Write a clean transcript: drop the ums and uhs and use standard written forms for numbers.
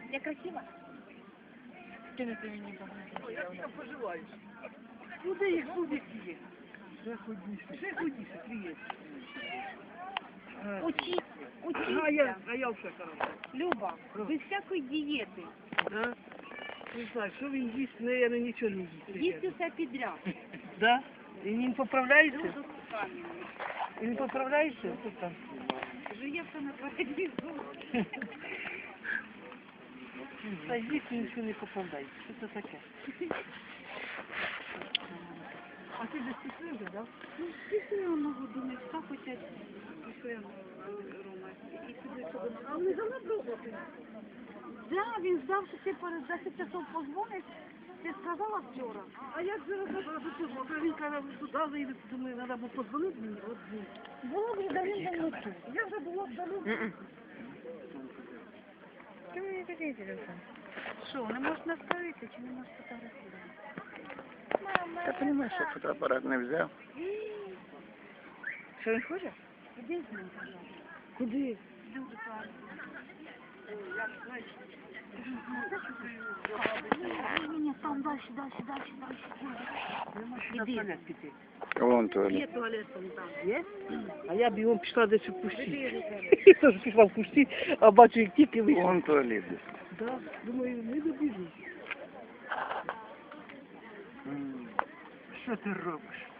Я красива? Кинути мені багато. Як там поживаєш? Ну де їх буде є? Ще худіше, твій. Учіться. А я вже хорошо. Люба, без всякої дієти. Да? Не знаю, що він їсть, наверное, нічого не їсть. Їсть усе підряд. Да? І не поправляється? Люду самі. І не поправляється? Жує все на передвізу. Та їсть нічого не поправляється. Що це таке? А ти десь пішли вже, да? Ну, пішли одного думаєш, так хочуть. Пішли Рома. І сюди, сюди. А вони занадробити. Да, він ждав, що ти перед 10 часов позвониш. Ти сказала вчора. А як зараз позвонити? Він каже, туди заїде, думаю, треба було подзвонити мені. От ні. Було б давно тут. Я вже була вдалю. Чому мені такий телефон? Що, не можеш наставити чи не можеш фотографувати? Ти розумієш, що фотоапарат не взяв? Що він хоче? Іди з ним, пожалуйста. Куди? Дуже класно. Ні, там дальше. Іди. Вон туалет. Є туалет там. Є? А я бігом пішла десь у кусті. Я теж пішла в кусті, а бачу, як тільки вийшла. Вон туалет. Да, думаю, не добіжу. Що ти робиш?